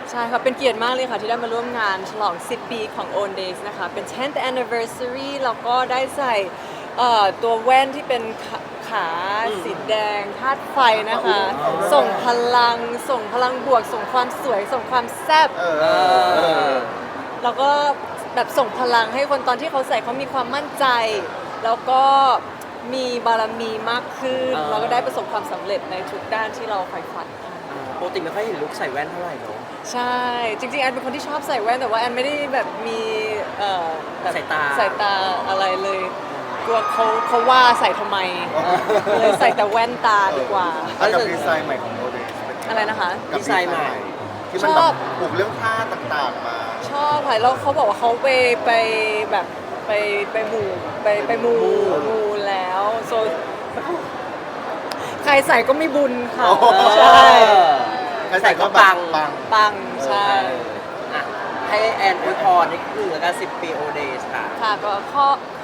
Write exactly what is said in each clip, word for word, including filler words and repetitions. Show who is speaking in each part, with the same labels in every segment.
Speaker 1: ใช่ค่ะเป็นเกียรติมากเลยค่ะที่ได้มาร่วมงานฉลองสิบปีของ Own Days นะคะเป็น tenth anniversary แล้วก็ได้ใส่เอ่อตัวแว่นที่เป็นขาขาสีแดงธาตุไฟนะคะ ส่งพลังส่งพลังบวก ส่งความสวย ส่งความแซ่บ
Speaker 2: เออเออ
Speaker 1: แล้วก็แบบส่งพลังให้คนตอนที่เขาใส่เขามีความมั่นใจ แล้วก็มีบารมีมากขึ้น
Speaker 3: อ่า
Speaker 1: แล้วก็ได้ประสบความสำเร็จในทุกด้านที่เราใฝ่ฝันค่ะ
Speaker 3: ปกติไม่ค่อยเห็นลุคใส่แว่นเท่าไหร่เนาะ
Speaker 1: ใช่ จริงๆแอนเป็นคนที่ชอบใส่แว่นแต่ว่าแอนไม่ได้แบบมีเอ่อแบบ
Speaker 3: สายตา
Speaker 1: สายตาอะไรเลยกลัวเขาเขาว่าใส่ทำไม เลยใส่แต่แว่นตาดีกว่า
Speaker 2: อ่ะกับดีไซน์ใหม่ของโมเดล
Speaker 1: อะไรนะคะ
Speaker 2: กับ
Speaker 3: ดีไซน์ใหม่
Speaker 2: ที่มัน
Speaker 1: ช
Speaker 2: แบ
Speaker 1: อ
Speaker 2: บบ ปลูกเรื่องผ้าต่างๆมา
Speaker 1: ชอบค่ะแล้วเขาบอกว่าเขาไปไปแบบไปไปหมู่ไปไปมูมูแล้วโซใครใส่ก็ไม่บุญค่ะ
Speaker 2: โอ้โห
Speaker 1: ใช่
Speaker 2: ใครใส่ก็ปังปัง
Speaker 1: ปังใช่
Speaker 3: อ่ะให้แอนอวยพรนิดนึงแล้วกันสิบปีโอเดย์ค่ะ
Speaker 1: ค่ะก็ข้อ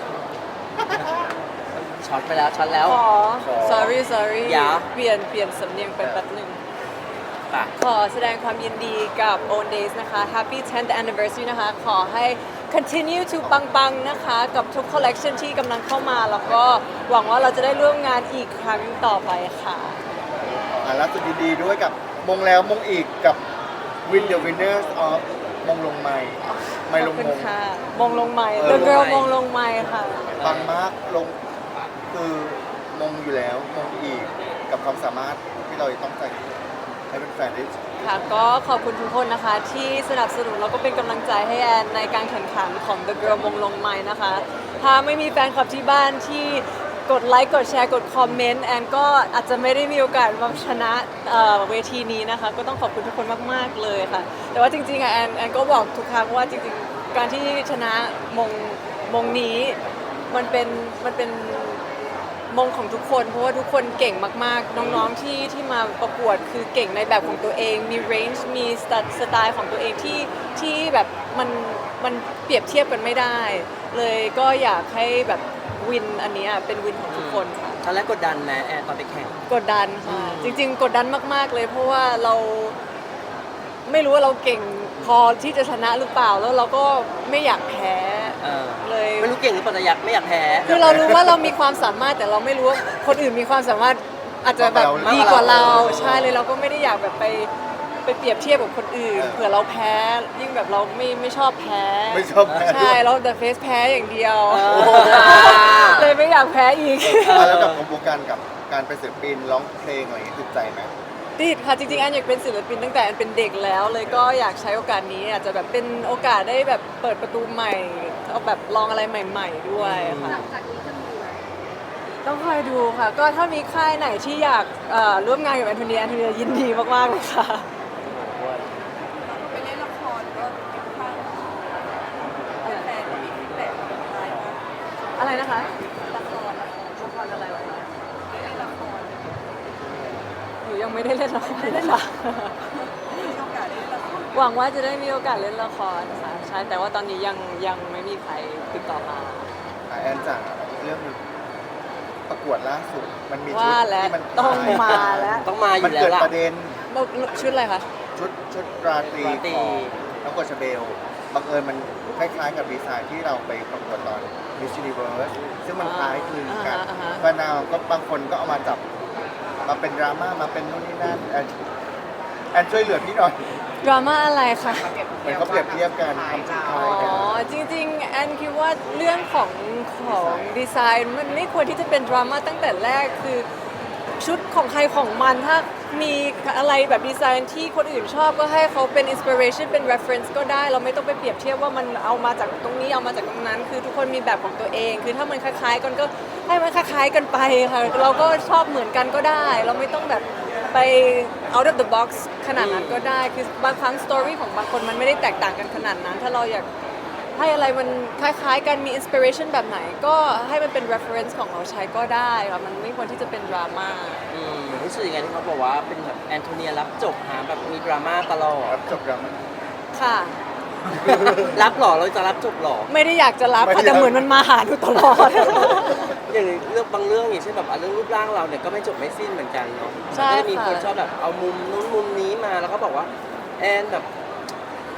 Speaker 3: ช็อตไปแล้วช็อตแล้ว
Speaker 1: ขอ sorry sorry
Speaker 3: อย่า
Speaker 1: เปลี่ยนเปลี่ยนสำเนียงไปแป๊บหนึ่ง
Speaker 3: ค่ะ
Speaker 1: ขอแสดงความยินดีกับ Own Days นะคะ Happy tenth anniversary นะคะ ขอให้ continue to ปังๆ นะคะ กับทุก collection ที่กำลังเข้ามา แล้วก็หวังว่าเราจะได้ร่วมงานอีกครั้งต่อไปค่ะ
Speaker 2: อ่ะล่าสุดดีๆด้วยกับมงแล้วมงอีกกับ Win the Winners of มงลงไม้ไม่ลง
Speaker 1: ขอบ
Speaker 2: ม
Speaker 1: คุณ
Speaker 2: ง
Speaker 1: ค่ะ มงลงไม้
Speaker 2: เออ
Speaker 1: The Girl
Speaker 3: ลงไมค์
Speaker 1: มงลงไม้ค่ะ
Speaker 2: ปังมากลงคือมงอยู่แล้วมงอีกกับความสามารถที่เราจะต้องใส่ให้เป็นแฟนได้
Speaker 1: ค่ะก็ขอบคุณทุกคนนะคะที่สนับสนุนแล้วก็เป็นกำลังใจให้แอนในการแข่งขันของ The Girl มงลงไม้นะคะ ถ้าไม่มีแฟนคลับที่บ้านที่กดไลค์กดแชร์กดคอมเมนต์แอนก็อาจจะไม่ได้มีโอกาสมาชนะเอ่อเวทีนี้นะคะ ก็ต้องขอบคุณทุกคนมากๆเลยค่ะ แต่ว่าจริงๆอะแอนแอนก็บอกทุกครั้งว่าจริงๆการที่ชนะมงมงนี้มันเป็นมันเป็น มงของทุกคนเพราะว่าทุกคนเก่งมากๆ น้องๆที่ที่มาประกวดคือเก่งในแบบของตัวเอง มีเรนจ์มีสไตล์ของตัวเองที่ที่แบบมันมันเปรียบเทียบกันไม่ได้ เลยก็อยากให้แบบวินอันเนี้ยเป็นวินของทุกคนค่ะ
Speaker 3: ตอนแรกกดดันไหมแอนตอนไปแข่ง
Speaker 1: กดดันค่ะ
Speaker 3: อืม
Speaker 1: จริง ๆ กดดันมากๆเลยเพราะว่าเราไม่รู้ว่าเราเก่งพอที่จะชนะหรือเปล่าแล้วเราก็ไม่อยากแพ้
Speaker 3: เออ
Speaker 1: เลย
Speaker 3: ไม่รู้เก่งหรือเปล่าแต่อยากไม่อยากแพ้
Speaker 1: คือเรารู้ว่าเรามีความสามารถแต่เราไม่รู้ว่าคนอื่นมีความสามารถอาจจะแบบดีกว่าเราใช่เลยเราก็ไม่ได้อยากแบบไปไปเปรียบเทียบกับคนอื่นเผื่อเราแพ้ ยิ่งแบบเราไม่ไม่ชอบแพ้
Speaker 2: ไม่ชอบแพ้ด้
Speaker 1: ใช่
Speaker 2: วย
Speaker 1: เราแต่เฟสแพ้อย่างเดียว
Speaker 3: เออ
Speaker 1: เลยไม่อยากแพ้อีก
Speaker 2: อ่ะแล้วกับกระบวนการกับการเป็นศิลปินร้องเพลงอะไรอย่างเงี้ยติดใจไหม
Speaker 1: ติดค่ะจริงๆแอนอยากเป็นศิลปินตั้งแต่แอนเป็นเด็กแล้ว เลยก็อยากใช้โอกาสนี้อาจจะแบบเป็นโอกาสได้แบบเปิดประตูใหม่เอาแบบลองอะไรใหม่ ๆ ด้วยค่ะ
Speaker 4: หลังจากนี้จะมีไหม
Speaker 1: ต้องคอยดูค่ะ ก็ถ้ามีค่ายไหนที่อยากเอ่อร่วมงานกับแอนโทเนียแอนโทเนียยินดีมากๆเลยค่ะ
Speaker 4: ไปเล่นละครก็ค่อนข้างแฟนๆก็มีฟีดแบ็กอะไรบ้าง
Speaker 1: อะไรนะคะ
Speaker 4: ละครละคร
Speaker 1: ละครอะไรวะ
Speaker 4: เล่นละคร
Speaker 1: หนูยังไม่ได้เล่นละครเลยค่ะ
Speaker 4: มีโอกาสได้เล่นละคร
Speaker 1: หวังว่าจะได้มีโอกาสเล่นละครค่ะใช่แต่ว่าตอนนี้ยังยังไม่มีใครติดต่อมา
Speaker 2: อ่ะแอนจากเรื่องหนึงประกวดล่าสุดมันมีชุด
Speaker 1: ว่าแล้ว
Speaker 2: ที่มัน
Speaker 1: ต้องมาแล้ว
Speaker 3: ต้องมาอ
Speaker 2: มัน
Speaker 3: ยู่แล้
Speaker 2: เกิ
Speaker 3: ว
Speaker 2: ด
Speaker 3: ล่ะ
Speaker 2: ประเด็น
Speaker 1: ชุดอะไรคะ
Speaker 2: ชุดชุดราตรี
Speaker 3: ราตรี
Speaker 2: ของน้องกฎชเบลบังเอิญมันคล้ายๆกับดีไซน์ที่เราไปประกวดตอน Miss Universe ซึ่งมันคล้ายคลึงกัน
Speaker 1: อ่าฮะอ่าฮะ
Speaker 2: ก็นาวก็บางคนก็เอามาจับมาเป็นดราม่ามาเป็นนู่นนี่นั่นแอนแอนช่วยเหลือพี่หน่อย
Speaker 1: ดราม่าอะไรคะ
Speaker 2: เหมือนเขาเปรียบเทียบกันทำชุดค
Speaker 1: อ๋
Speaker 2: ล้ายกัน
Speaker 1: อจริงๆแอนคิดว่าเรื่องของของดีไซน์มันไม่ควรที่จะเป็นดราม่าตั้งแต่แรกคือชุดของใครของมันถ้ามีอะไรแบบดีไซน์ที่คนอื่นชอบก็ให้เขาเป็นอินสปิเรชันเป็น reference ก็ได้เราไม่ต้องไปเปรียบเทียบว่ามันเอามาจากตรงนี้เอามาจากตรงนั้น คือทุกคนมีแบบของตัวเอง คือถ้ามันคล้ายๆกันก็ให้มันคล้ายๆกันไปค่ะเราก็ชอบเหมือนกันก็ได้ เราไม่ต้องแบบไป out of the box ขนาดนั้นก็ได้คือบางครั้งสตอรี่ของบางคนมันไม่ได้แตกต่างกันขนาดนั้น ถ้าเราอยากให้อะไรมันคล้ายๆกันมีอินสปิเรชันแบบไหนก็ให้มันเป็น reference ของเราใช้ก็ได้ค่ะมันไม่ควรที่จะเป็นดราม่า
Speaker 3: อืมรู้สึกยังไงที่เขาบอกว่าเป็นแบบแอนโทเนียรับจบหาแบบมีดราม่าตลอด
Speaker 2: รับจบดราม่า
Speaker 1: ค่ะ
Speaker 3: รับหรอเราจะรับจบหรอ
Speaker 1: ไม่ได้อยากจะรับ
Speaker 2: ไม่
Speaker 1: ค่ะ
Speaker 2: ได้
Speaker 1: แต่เหมือนมันมาหาหนูตลอด
Speaker 3: อย่างเรื่องบางเรื่องอย่างเช่นแบบอ่ะเรื่องรูปร่างเราเนี่ยก็ไม่จบไม่สิ้นเหมือนกันเนาะ
Speaker 1: ใช่
Speaker 3: ก็จะมี
Speaker 1: ค่ะ
Speaker 3: คนชอบแบบเอามุมนู้นมุมนี้มาแล้วก็บอกว่าแอนแบบ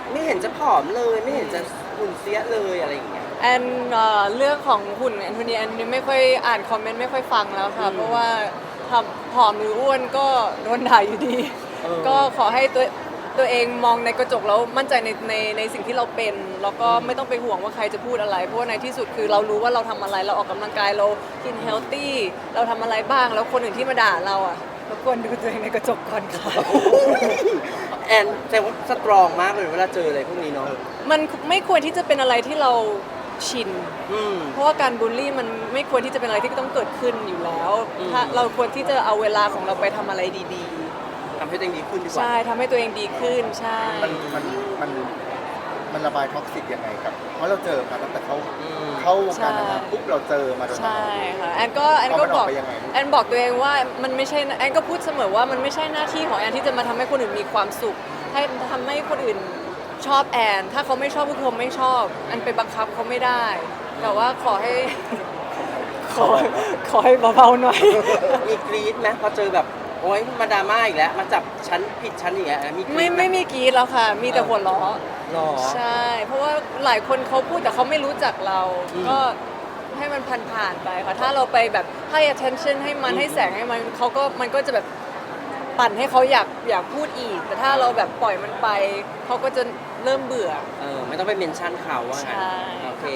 Speaker 3: ไม่เห็นจะผอมเลยไม่เห็นจะหุ่นเสียเลยอะไรอย่างเงี้ย
Speaker 1: แอนเอ่อเรื่องของหุ่นแอนโทเนียแอนไม่ค่อยอ่านคอมเมนต์ไม่ค่อยฟังแล้วค่ะ
Speaker 3: อืม
Speaker 1: เพราะว่าทำผอมหรืออ้วนก็โดนด่าอยู่ดี
Speaker 3: เออ
Speaker 1: ก็ขอให้ตัวตัวเองมองในกระจกแล้วมั่นใจในในในสิ่งที่เราเป็น แล้วก็ไม่ต้องไปห่วงว่าใครจะพูดอะไร เพราะว่าในที่สุดคือเรารู้ว่าเราทำอะไรเราออกกำลังกายเรากินเฮลตี้เราทำอะไรบ้างแล้วคนอื่นที่มาด่าเราอ่ะรบกวนดูตัวเองในกระจกก่อนค่ะ
Speaker 3: แอนแต่ว่าสตรองมากเลยเวลาเจออะไรพวกนี้เนาะ
Speaker 1: มันไม่ควรที่จะเป็นอะไรที่เราชิน
Speaker 3: อืม
Speaker 1: เพราะว่าการบูลลี่มันไม่ควรที่จะเป็นอะไรที่ต้องเกิดขึ้นอยู่แล้ว
Speaker 3: อืม
Speaker 1: ถ้าเราควรที่จะเอาเวลาของเราไปทำอะไรดี
Speaker 3: ทำให้ตัวเองดีขึ้นดี
Speaker 1: ๆ
Speaker 3: กว่า
Speaker 1: ใช่ทำให้ตัวเองดีขึ้นใช่
Speaker 2: มันมันมันมันระบายท็อกซิกยังไงกับ เพราะเราเจอมาตั้งแต่เข้า
Speaker 3: อืม
Speaker 2: เข้าวงการนางงามปุ๊บเราเจอมาโดยตลอ
Speaker 1: ใช่
Speaker 2: ด
Speaker 1: ค่ะแอนก็แอนก็
Speaker 2: เอามัน
Speaker 1: บ
Speaker 2: อ
Speaker 1: อ
Speaker 2: อก กไปยังไง
Speaker 1: แอนบอกตัวเองว่ามันไม่ใช่แอนก็พูดเสมอว่ามันไม่ใช่หน้าที่ของแอนที่จะมาทำให้คนอื่นมีความสุข ให้ทำให้คนอื่นชอบแอน ถ้าเขาไม่ชอบก็คือเขาไม่ชอบแอนไปบังคับเขาไม่ได้ แต่ว่าขอให้ ขอขอให้เบาๆหน่อย
Speaker 3: มีกรี๊ดไหมพอเจอแบบโอ๊ยมาดราม่าอีกแล้วมาจับชั้นผิดชั้นอีกแล้วมีกรี๊ด
Speaker 1: ไม่
Speaker 3: ห
Speaker 1: ไม่มีกรีดแล้วค่ะ มีแต่หัวเราะ
Speaker 3: หรอ
Speaker 1: ใช่ เพราะว่าหลายคนเขาพูดแต่เขาไม่รู้จักเรา
Speaker 3: อืม
Speaker 1: ก็ให้มันผ่านๆไปค่ะ ถ้าเราไปแบบให้ attention ให้มัน
Speaker 3: อืม
Speaker 1: ให้แสงให้มันเขาก็มันก็จะแบบปั่นให้เขาอยากอยากพูดอีก แต่ถ้าเราแบบปล่อยมันไปเขาก็จะเริ่มเบื่อ
Speaker 3: เออไม่ต้องไปเมนชั่นเขาว่างั้น
Speaker 1: ใช่
Speaker 3: โอเค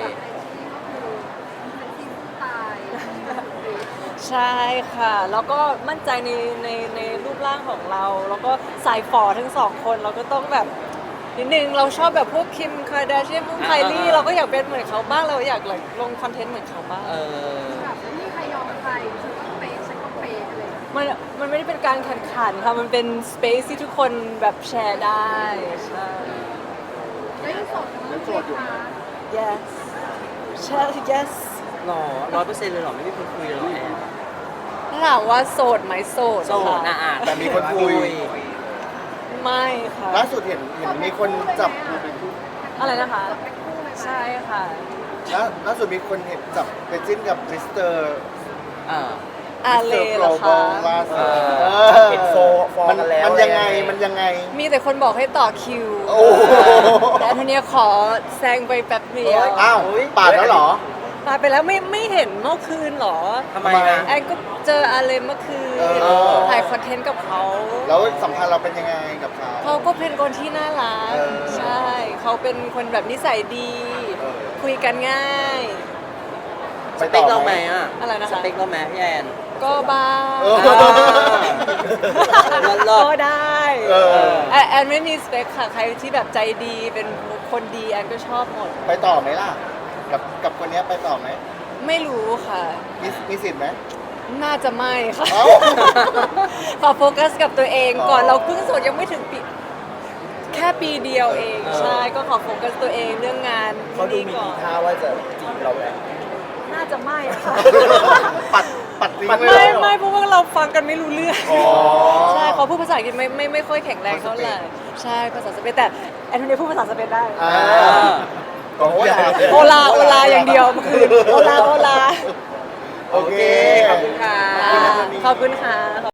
Speaker 1: ใช่ค่ะ แล้วก็มั่นใจในในในรูปร่างของเรา แล้วก็สายฝอทั้งสองคนเราก็ต้องแบบนิดนึงเราชอบแบบพวกคิมคาร์ดาเชียนพวกไคลี่
Speaker 3: อ่าๆๆ
Speaker 1: เราก็อยากเป็นเหมือนเขาบ้างเราอยากlikeลงคอนเทนต์เหมือนเขาบ้าง
Speaker 3: เออ
Speaker 4: แบบไม่มีใครยอมใครฉันก็เปย์ฉันก็เปย์อะไรอย่างเงี้ย
Speaker 1: มันมันไม่ได้เป็นการแข่งขันค่ะ มันเป็นสเปซที่ทุกคนแบบแชร์ได้ ใช่
Speaker 4: แล้วยังโสดอยู่
Speaker 2: ยังโสดอยู่
Speaker 4: ไหมคะ
Speaker 1: yes ใช่ yes
Speaker 3: หรอร้อยเปอร์เซ็นต์เลยเหรอ ไม่มีคนคุยเลยเหรอแอน
Speaker 1: ถ้าถามว่าโสดไหมโสด
Speaker 3: โสดนะ
Speaker 1: ค่ะ
Speaker 3: อ่ะ
Speaker 2: แต่มีคนคุย
Speaker 1: ไม่ค่ะ
Speaker 2: ล่าสุดเห็นเห็นมีคนจับ
Speaker 1: อะไรนะคะ
Speaker 4: เป็นคู่เลยไหม
Speaker 1: ใช่ค่ะ
Speaker 2: ล่าล่าสุดมีคนเห็นจับไปจิ้นกับมิสเตอร์
Speaker 3: เออ
Speaker 1: อาเล
Speaker 2: มิสเตอร์
Speaker 1: เหรอ
Speaker 2: โกลบอ
Speaker 1: คะ
Speaker 2: ลล่าสุด
Speaker 3: เออ
Speaker 2: เออ
Speaker 5: เห็นโฟฟอ
Speaker 2: มัน
Speaker 5: กันแล้ว
Speaker 2: มันยังไง
Speaker 5: อะไรยังไง
Speaker 2: มันยังไง
Speaker 1: มีแต่คนบอกให้ต่อคิว
Speaker 2: โอ้โห
Speaker 1: แต่อันเนี้ยขอแซงไปแป๊บเดียว
Speaker 2: อ้าวปาดแล้วเหรอ
Speaker 1: มาไปแล้วไม่ไม่เห็นเมื่อคืนเหรอ
Speaker 3: ทำไมนะ
Speaker 1: แอนก็เจออาเลเมื่อคืน
Speaker 2: เออ
Speaker 1: ถ่ายคอนเทนต์กับเขา
Speaker 2: แล้วสัมพันธ์เราเป็นยังไงกับเขา
Speaker 1: เขาก็เป็นคนที่น่ารัก
Speaker 2: เออ
Speaker 1: ใช่ เขาเป็นคนแบบนิสัยดี
Speaker 2: เออ
Speaker 1: คุยกันง่าย
Speaker 3: สเปคเราไหมอ่ะ
Speaker 1: อะไรนะคะ
Speaker 3: สเปคเราไหมพี่แอน
Speaker 1: ก็บ้าง
Speaker 2: เออ
Speaker 3: เลิศเลิศ
Speaker 1: ก็ได้
Speaker 2: เออ
Speaker 1: แอนแอนไม่มีสเปคค่ะ ใครที่แบบใจดีเป็นคนดีแอนก็ชอบหมด
Speaker 2: ไปต่อไหมล่ะ กับกับคนเนี้ยไปต่อไหม
Speaker 1: ไม่รู้ค่ะ
Speaker 2: มีมีสิทธิ์ไหม
Speaker 1: น่าจะไม่ค่ะ
Speaker 2: เอ้า
Speaker 1: ขอโฟกัสกับตัวเองก่อน
Speaker 2: อ๋อ
Speaker 1: เราเพิ่งโสดยังไม่ถึงปีแค่ปีเดียวเอง
Speaker 3: เออ
Speaker 1: ใช่ก็ขอโฟกัสตัวเองเรื่องงาน
Speaker 5: เขาดู
Speaker 1: ที่
Speaker 5: มี
Speaker 1: ก่อ
Speaker 5: ที
Speaker 1: น
Speaker 5: ท่าว่าจะจีบเราไหม
Speaker 1: น่าจะไม่ค่ะ
Speaker 2: ปัดปัดทิ้ง
Speaker 5: ปัด
Speaker 2: เลย
Speaker 1: ไม่
Speaker 2: เหรอ
Speaker 1: ไม่เพราะว่าเราฟังกันไม่รู้เรื่อง
Speaker 2: อ๋อ
Speaker 1: ใช่เขาพูดภาษาอังกฤษไม่ไม่ไม่ค่อยแข็งแรงเท่าไหร่ใช่ภาษาสเปนแต่แอนโทเนียพูดภาษาสเปนได้
Speaker 2: อ่า
Speaker 3: เออ
Speaker 2: โอ้ย
Speaker 1: โอลาโอลาอย่างเดียวเมื่อคืนโอลาโอลา
Speaker 2: โอเค
Speaker 3: ขอบคุณค่ะ
Speaker 1: ขอบคุณค่ะ